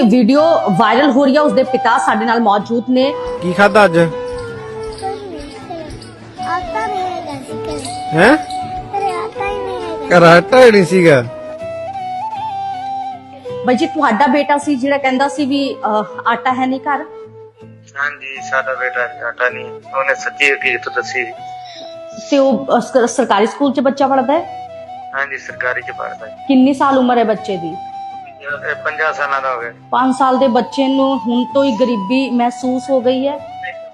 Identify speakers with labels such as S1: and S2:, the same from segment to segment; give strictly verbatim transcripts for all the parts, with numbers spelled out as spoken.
S1: Video viral ਹੋ ਰਹੀ ਹੈ, ਉਸਦੇ ਪਿਤਾ ਸਾਡੇ ਨਾਲ ਮੌਜੂਦ ਨੇ।
S2: ਕੀ ਖਾਦਾ ਅੱਜ?
S3: ਆਟਾ ਨਹੀਂ ਹੈਗਾ ਸੀ ਘਰੇ।
S2: ਹੈ
S3: ਘਰੇ ਆਟਾ ਹੀ ਨਹੀਂ ਹੈਗਾ।
S2: ਘਰ ਆਟਾ ਹੀ ਨਹੀਂ ਸੀਗਾ।
S1: ਬਾਈ ਜੀ, ਤੁਹਾਡਾ ਬੇਟਾ ਸੀ ਜਿਹੜਾ ਕਹਿੰਦਾ ਸੀ ਵੀ ਅਹ, ਆਟਾ ਹੈ ਨਹੀਂ ਘਰ?
S4: ਹਾਂਜੀ, ਸਾਡਾ ਬੇਟਾ ਆਟਾ ਨਹੀਂ, ਉਹਨੇ ਸੱਚੀ ਹਕੀਕਤ ਦੱਸੀ।
S1: ਤੇ ਉਹ ਅਹ, ਸਰਕਾਰੀ ਸਕੂਲ 'ਚ ਬੱਚਾ ਪੜ੍ਹਦਾ ਹੈ?
S4: ਹਾਂਜੀ, ਸਰਕਾਰੀ ਚ ਪੜ੍ਹਦਾ ਹੈ।
S1: ਕਿੰਨੀ ਸਾਲ ਉਮਰ ਹੈ ਬੱਚੇ ਦੀ?
S4: ਇਹ ਪੰਜਾਹ ਸਾਲਾਂ ਦਾ ਹੋ ਗਿਆ।
S1: ਪੰਜ ਸਾਲ ਦੇ ਬੱਚੇ ਨੂੰ ਹੁਣ ਤੋਂ ਹੀ ਗਰੀਬੀ ਮਹਿਸੂਸ ਹੋ ਗਈ ਹੈ।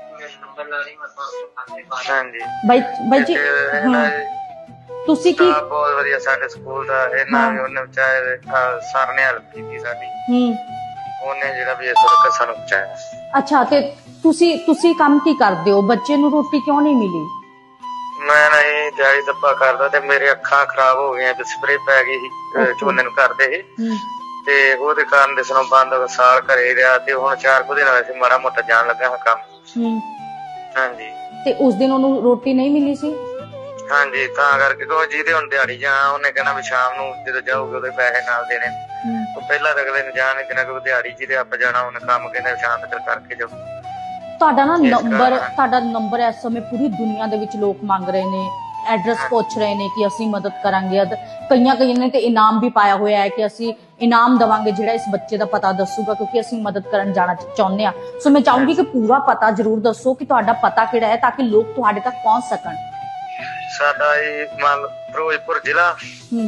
S4: ਹਾਂਜੀ
S1: ਬਾਈ ਬਾਈ ਜੀ,
S4: ਤੇ
S1: ਹਾਂ,
S4: ਇਹਨਾਂ
S1: ਤੁਸੀਂ ਕੀ?
S4: ਦਾ ਬਹੁਤ ਵਧੀਆ ਸਾਡੇ ਸਕੂਲ ਦਾ, ਇਹਨਾਂ ਵੀ ਉਹਨੇ ਵਿਚਾਰੇ ਸਰ ਨੇ ਹੈਲਪ ਕੀਤੀ ਸਾਡੀ।
S1: ਹੂੰ,
S4: ਉਹਨੇ ਜਿਹੜਾ ਵੀ ਇਸ ਵਕਤ ਸਾਨੂੰ ਪਹੁੰਚਾਇਆ।
S1: ਅੱਛਾ, ਤੇ ਤੁਸੀਂ ਤੁਸੀਂ ਕੰਮ ਕੀ ਕਰਦੇ ਹੋ? ਬੱਚੇ ਨੂੰ ਰੋਟੀ ਕਿਉਂ ਨਹੀਂ ਮਿਲੀ?
S4: ਮੈਂ ਨਹੀਂ ਦਿਹਾੜੀ ਦੱਪਾ ਕਰਦਾ ਤੇ ਮੇਰੇ ਅੱਖਾਂ ਖਰਾਬ ਹੋ ਗਈਆਂ ਤੇ ਸਪਰੇ ਪੈ ਗਈ ਸੀ ਅਹ ਝੋਨੇ ਨੂੰ ਕਰਦੇ ਸੀ,
S1: ਹੂੰ,
S4: ਤੇ ਉਹਦੇ ਕਾਰਨ ਦਿਸਣੋਂ ਬੰਦ ਹੋ ਗਿਆ। ਸਾਲ ਘਰੇ ਰਿਹਾ ਤੇ ਹੁਣ ਚਾਰ ਕੁ ਦਿਨ ਹੋਏ ਸੀ ਮਾੜਾ ਮੋਟਾ ਜਾਣ ਲੱਗਾ ਹਾਂ ਕੰਮ।
S1: ਹੂੰ,
S4: ਹਾਂਜੀ
S1: ਤੇ ਉਸ ਦਿਨ ਉਹਨੂੰ ਰੋਟੀ ਨਹੀਂ ਮਿਲੀ ਸੀ?
S4: ਹਾਂਜੀ, ਤਾਂ ਕਰਕੇ ਕੋ ਜਿਹਦੇ ਹੁਣ ਦਿਹਾੜੀ ਜਾ ਉਹਨੇ ਕਹਿਣਾ ਵੀ ਸ਼ਾਮ ਨੂੰ ਜਦੋਂ ਜਾਊਗੇ ਉਹਦੇ ਪੈਸੇ ਨਾਲ ਦੇਣੇ।
S1: ਹੂੰ,
S4: ਉਹ ਪਹਿਲਾਂ ਤਾਂ ਅਗਲੇ ਨੂੰ ਜਾਣ ਨਹੀਂ ਦੇਣਾ ਕਿਉਂਕਿ ਦਿਹਾੜੀ ਜਿਹਦੇ ਆਪ ਜਾਣਾ ਉਹਨੇ ਕੰਮ ਕਹਿੰਦੇ ਸ਼ਾਮ ਤੱਕ ਕਰਕੇ ਜਾਓ।
S1: ਤੁਹਾਡਾ ਨਾ
S4: ਇਸ
S1: ਨੰਬਰ
S4: ਕਾਰਨ-
S1: ਤੁਹਾਡਾ ਨੰਬਰ ਇਸ ਸਮੇਂ ਪੂਰੀ ਦੁਨੀਆ ਦੇ ਵਿੱਚ ਲੋਕ ਮੰਗ ਰਹੇ ਨੇ, ਐਡਰੈਸ ਪੁੱਛ ਰਹੇ ਨੇ ਕਿ ਅਸੀਂ ਮਦਦ ਕਰਾਂਗੇ। ਅਦ- ਕਈਆਂ ਕਈਆਂ ਨੇ ਤੇ ਇਨਾਮ ਵੀ ਪਾਇਆ ਹੋਇਆ ਹੈ ਕਿ ਅਸੀਂ ਇਨਾਮ ਦੇਵਾਂਗੇ ਜਿਹੜਾ ਇਸ ਬੱਚੇ ਦਾ ਪਤਾ ਦੱਸੂਗਾ, ਕਿਉਂਕਿ ਅਸੀਂ ਮਦਦ ਕਰਨ ਜਾਣਾ ਚ- ਚਾਹੁੰਦੇ ਹਾਂ। ਸੋ ਮੈਂ ਚਾਹੂੰਗੀ ਕਿ ਪੂਰਾ ਪਤਾ ਜ਼ਰੂਰ ਦੱਸੋ ਕਿ ਤੁਹਾਡਾ ਪਤਾ ਕਿਹੜਾ ਹੈ, ਤਾਂ ਕਿ ਲੋਕ ਤੁਹਾਡੇ ਤੱਕ ਪਹੁੰਚ ਸਕਣ।
S4: ਸਾਡਾ ਇਹ ਮੰਨ ਲਓ ਫਿਰੋਜ਼ਪੁਰ ਜ਼ਿਲ੍ਹਾ
S1: ਹੂੰ,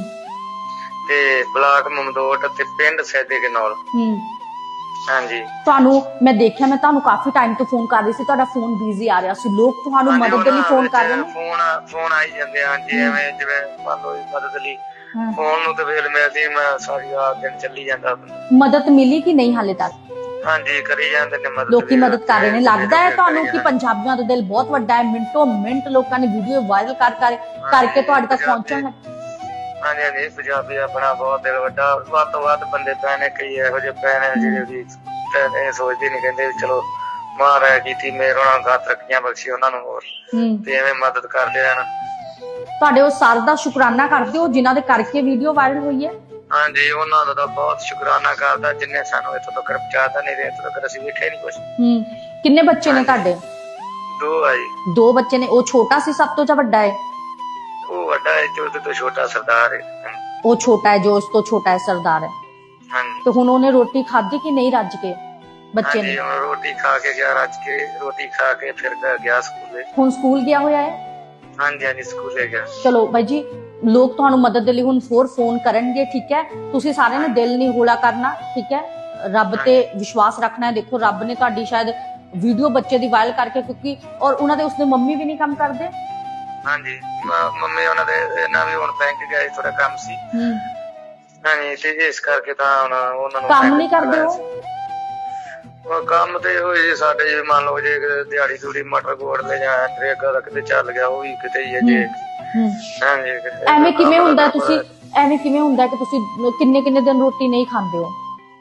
S4: ਤੇ ਬਲਾਕ ਮਮਦੋਟ ਤੇ ਪਿੰਡ ਸੈਦੇ ਕੇ ਨਾਲ।
S1: ਹੂੰ,
S4: ਹਾਂਜੀ
S1: ਤੁਹਾਨੂੰ ਮੈਂ ਦੇਖਿਆ, ਮੈਂ ਤੁਹਾਨੂੰ ਕਾਫੀ ਟਾਈਮ ਤੋਂ ਫੋਨ ਕਰ ਰਹੀ ਸੀ, ਤੁਹਾਡਾ ਫੋਨ ਬਿਜ਼ੀ ਆ ਰਿਹਾ ਸੀ। ਲੋਕ ਤੁਹਾਨੂੰ
S4: ਹਾਂਜੀ,
S1: ਮਦਦ ਦੇ ਲਈ
S4: ਉਹਨਾਂ
S1: ਫੋਨ
S4: ਵਿੱਚ
S1: ਕਰ ਰਹੇ ਨੇ।
S4: ਫੋਨ ਫੋਨ ਆਈ ਜਾਂਦੇ ਆ ਜੀ, ਐਵੇਂ ਜਿਵੇਂ ਮੰਨ ਲਓ ਜੀ ਮਦਦ ਲਈ
S1: ਹਾਂ।
S4: ਫੋਨ ਨੂੰ ਤੇ ਵੇਲ ਮਿਲਦੀ, ਮੈਂ ਸਾਰੀ ਰਾਤ ਦਿਨ ਚੱਲੀ ਜਾਂਦਾ।
S1: ਮਦਦ ਮਿਲੀ ਕਿ ਨਹੀਂ ਹਾਲੇ ਤੱਕ?
S4: ਹਾਂਜੀ, ਕਰੀ ਜਾਂਦੇ ਨੇ ਮਦਦ।
S1: ਲੋਕੀ
S4: ਵੀ
S1: ਮਦਦ ਕਰ ਰਹੇ ਨੇ।
S4: ਤੇ
S1: ਲੱਗਦਾ ਹੈ
S4: ਕਰੀ
S1: ਤੁਹਾਨੂੰ ਕਿ
S4: ਜਾਂਦੇ।
S1: ਪੰਜਾਬੀਆਂ ਦਾ ਦਿਲ ਬਹੁਤ ਵੱਡਾ ਹੈ, ਮਿੰਟੋ ਮਿੰਟ ਲੋਕਾਂ ਨੇ ਵੀਡੀਓ ਵਾਇਰਲ ਕਰ ਕਰ ਕਰਕੇ ਤੁਹਾਡੇ ਤੱਕ ਪਹੁੰਚਣ ਲੱਗ।
S4: ਹਾਂਜੀ ਹਾਂਜੀ, ਪੰਜਾਬੀ ਆਪਣਾ ਬਹੁਤ ਦਿਲ ਵੱਡਾ, ਵੱਧ ਤੋਂ ਵੱਧ ਬੰਦੇ ਪਏ ਨੇ, ਕਈ ਇਹੋ ਜਿਹੇ ਪਏ ਨੇ ਜਿਹੜੇ ਵੀ ਇਹ ਸੋਚਦੇ ਨਹੀਂ, ਕਹਿੰਦੇ ਵੀ ਚਲੋ ਮਹਾਰਾਜ ਕੀਤੀ ਮੇਰ, ਉਹਨਾਂ ਨੂੰ ਗਾਤ ਰੱਖੀਆਂ ਬਖਸ਼ੀ ਉਹਨਾਂ ਨੂੰ ਹੋਰ,
S1: ਹੂੰ,
S4: ਤੇ ਐਵੇਂ ਮਦਦ ਕਰਦੇ ਰਹਿਣ।
S1: ਤੁਹਾਡੇ ਉਹ ਸਰ ਦਾ ਸ਼ੁਕਰਾਨਾ ਕਰਦੇ ਹੋ ਜਿਨ੍ਹਾਂ ਦੇ ਕਰਕੇ ਵੀਡੀਓ ਵਾਇਰਲ ਹੋਈ ਹੈ?
S4: ਹਾਂਜੀ, ਉਹਨਾਂ ਦਾ ਤਾਂ ਬਹੁਤ ਸ਼ੁਕਰਾਨਾ ਕਰਦਾ ਜਿੰਨੇ ਸਾਨੂੰ ਇੱਥੋਂ ਤੱਕ ਪਹੁੰਚਾਤਾ, ਨਹੀਂ ਤੇ ਇੱਥੋਂ ਤੱਕ ਅਸੀਂ ਵੇਖਿਆ ਨਹੀਂ ਕੁਛ।
S1: ਹੂੰ, ਕਿੰਨੇ ਬੱਚੇ ਨੇ ਤੁਹਾਡੇ?
S4: ਦੋ ਆ ਜੀ।
S1: ਦੋ ਬੱਚੇ ਨੇ। ਉਹ ਛੋਟਾ ਸੀ ਸਭ ਤੋਂ ਜਾਂ ਵੱਡਾ ਹੈ?
S4: ਉਹ ਵੱਡਾ ਹੈ ਜੋ ਉਹਦੇ ਤੋਂ ਛੋਟਾ ਸਰਦਾਰ ਹੈ।
S1: ਉਹ ਛੋਟਾ ਹੈ ਜੋ ਉਸ ਤੋਂ ਛੋਟਾ ਹੈ, ਸਰਦਾਰ ਹੈ।
S4: ਹਾਂਜੀ
S1: ਤੇ ਹੁਣ ਉਹਨੇ ਰੋਟੀ ਖਾਧੀ ਕਿ ਨਹੀਂ ਰੱਜ ਕੇ ਬੱਚੇ
S4: ਹਾਂਜੀ,
S1: ਨੇ?
S4: ਹੁਣ ਰੋਟੀ ਖਾ ਕੇ ਗਿਆ, ਰੱਜ ਕੇ ਰੋਟੀ ਖਾ ਕੇ ਫਿਰ ਗਿਆ ਸਕੂਲੇ।
S1: ਹੁਣ ਸਕੂਲ ਗਿਆ ਹੋਇਆ ਹੈ?
S4: ਹਾਂਜੀ ਹਾਂਜੀ, ਸਕੂਲੇ ਗਿਆ।
S1: ਚਲੋ ਬਾਈ ਜੀ, ਲੋਕ ਤੁਹਾਨੂੰ ਮਦਦ ਦੇ ਲਈ ਹੁਣ ਹੋਰ ਫੋਨ ਕਰਨਗੇ, ਠੀਕ ਹੈ? ਤੁਸੀਂ ਸਾਰਿਆਂ ਨੇ ਦਿਲ ਨਹੀਂ ਹੌਲਾ ਕਰਨਾ, ਠੀਕ ਹੈ? ਰੱਬ ਤੇ ਵਿਸ਼ਵਾਸ ਰੱਖਣਾ ਹੈ। ਦੇਖੋ, ਰੱਬ ਨੇ ਤੁਹਾਡੀ ਸ਼ਾਇਦ ਵੀਡੀਓ ਬੱਚੇ ਦੀ ਵਾਇਰਲ ਕਰਕੇ, ਕਿਉਂਕਿ ਔਰ ਉਹਨਾਂ ਦੇ ਉਸਦੇ ਮੰਮੀ ਵੀ ਨਹੀਂ ਕੰਮ ਕਰਦੇ।
S4: ਹਾਂਜੀ, ਮ- ਮੰਮੀ ਉਹਨਾਂ ਦੇ ਇਹਨਾਂ ਵੀ ਹੁਣ ਬੈਂਕ ਗਏ, ਥੋੜਾ ਕੰਮ ਸੀ।
S1: ਹੂੰ,
S4: ਹਾਂਜੀ, ਤੇ ਇਸ ਕਰਕੇ ਤਾਂ ਹੁਣ ਉਹਨਾਂ ਨੂੰ
S1: ਕੰਮ
S4: bank
S1: ਨਹੀਂ ਕਰਦੇ
S4: ਬੁਲਾਇਆ
S1: ਉਹ?
S4: ਸੀ। ਉਹ ਕੰਮ ਤੇ ਹੋਏ ਜੀ ਸਾਡੇ, ਜੇ ਮੰਨ ਲਓ ਜੇ ਕਿਤੇ ਦਿਹਾੜੀ ਦੂੜੀ ਮਟਰ ਗੋੜ ਲੈ ਜਾਂ ਨਰੇਗਾ ਦਾ ਕਿਤੇ ਚੱਲ ਗਿਆ, ਉਹ ਵੀ ਕਿਤੇ ਹੀ ਹੈ ਜੇ।
S1: ਹੂੰ,
S4: ਹਾਂਜੀ,
S1: ਐਵੇਂ ਕਿਵੇਂ ਹੁੰਦਾ? ਤੁਸੀਂ ਐਵੇਂ ਕਿਵੇਂ ਹੁੰਦਾ ਕਿ ਤੁਸੀਂ ਕਿੰਨੇ ਕਿੰਨੇ ਦਿਨ ਰੋਟੀ ਨਹੀਂ ਖਾਂਦੇ ਹੋ?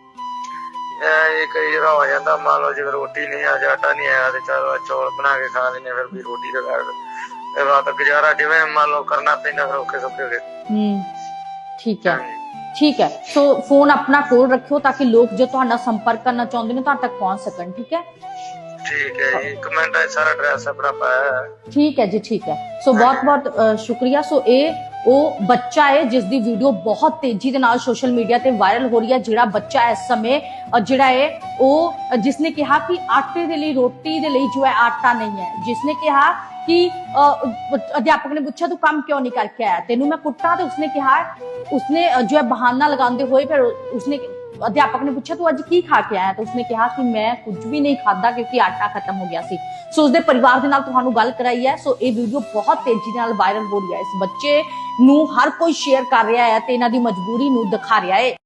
S4: ਇਹ ਕਈ ਵਾਰ ਹੋ ਜਾਂਦਾ, ਮੰਨ ਲਓ ਜਿਵੇਂ ਰੋਟੀ ਨਹੀਂ ਆ, ਆਟਾ ਨਹੀਂ ਆਇਆ ਤੇ ਚਲੋ ਚੌਲ ਬਣਾ ਕੇ ਖਾ ਲੈਂਦੇ, ਫਿਰ ਵੀ ਰੋਟੀ ਦਾ ਕਰ ਰਾਤ ਗੁਜ਼ਾਰਾ ਜਿਵੇਂ ਮੰਨ ਲਓ ਕਰਨਾ ਪੈਂਦਾ, ਫਿਰ ਔਖੇ ਸੌਖੇ ਹੋ ਗਏ।
S1: ਹੂੰ, ਠੀਕ ਹੈ, ਠੀਕ ਹੈ। ਸੋ ਫੋਨ ਆਪਣਾ ਕੋਲ ਰੱਖਿਓ ਤਾਂ ਕਿ ਲੋਕ ਜੋ ਤੁਹਾਡਾ ਸੰਪਰਕ ਕਰਨਾ ਚਾਹੁੰਦੇ ਨੇ ਤੁਹਾਡੇ ਤੱਕ ਪਹੁੰਚ ਸਕਣ, ਠੀਕ ਹੈ?
S4: ਠੀਕ ਹੈ ਜੀ, ਕਮੈਂਟ ਹੈ ਸਾਰਾ ਐਡਰੈਸ ਆਪਣਾ ਪਾਇਆ ਹੈ।
S1: ਠੀਕ ਹੈ ਜੀ, ਠੀਕ ਹੈ। ਸੋ ਬਹੁਤ ਬਹੁਤ ਸ਼ੁਕਰੀਆ। ਸੋ ਇਹ ਉਹ ਬੱਚਾ ਹੈ ਜਿਸ ਦੀ ਵੀਡੀਓ ਬਹੁਤ ਤੇਜ਼ੀ ਦੇ ਨਾਲ ਸੋਸ਼ਲ ਮੀਡੀਆ ਤੇ ਵਾਇਰਲ ਹੋ ਰਹੀ ਹੈ। ਜਿਹੜਾ ਬੱਚਾ ਇਸ ਸਮੇਂ ਅ, ਜਿਹੜਾ ਹੈ ਉਹ ਜਿਸਨੇ ਕਿਹਾ ਕਿ ਆਟੇ ਦੇ ਲਈ, ਰੋਟੀ ਦੇ ਲਈ ਜੋ ਹੈ ਆਟਾ ਨਹੀਂ ਹੈ, ਜਿਸਨੇ ਕਿਹਾ ਕਿ ਅ, ਅਧਿਆਪਕ ਨੇ ਪੁੱਛਿਆ ਤੂੰ ਕੰਮ ਕਿਉਂ ਨਹੀਂ ਕਰਕੇ ਆਇਆ, ਤੈਨੂੰ ਮੈਂ ਕੁੱਟਾਂ, ਤੇ ਉਸਨੇ ਕਿਹਾ, ਉਸਨੇ ਅ, ਜੋ ਹੈ ਬਹਾਨਾ ਲਗਾਉਂਦੇ ਹੋਏ ਫਿਰ ਉਸਨੇ ਅਧਿਆਪਕ ਨੇ ਪੁੱਛਿਆ ਤੂੰ ਅੱਜ ਕੀ ਖਾ ਕੇ ਆਇਆ, ਤਾਂ ਉਸਨੇ ਕਿਹਾ ਕਿ ਮੈਂ ਕੁਝ ਵੀ ਨਹੀਂ ਖਾਦਾ ਕਿਉਂਕਿ ਆਟਾ ਖਤਮ ਹੋ ਗਿਆ ਸੀ। ਸੋ ਉਸਦੇ ਪਰਿਵਾਰ ਦੇ ਨਾਲ ਤੁਹਾਨੂੰ ਗੱਲ ਕਰਾਈ ਹੈ। ਸੋ ਇਹ ਵੀਡੀਓ ਬਹੁਤ ਤੇਜ਼ੀ ਨਾਲ ਵਾਇਰਲ ਹੋ ਰਹੀ ਹੈ। ਇਸ ਬੱਚੇ ਨੂੰ ਹਰ ਕੋਈ ਸ਼ੇਅਰ ਕਰ ਰਿਹਾ ਹੈ ਤੇ ਇਹਨਾਂ ਦੀ ਮਜਬੂਰੀ ਨੂੰ ਦਿਖਾ ਰਿਹਾ ਹੈ।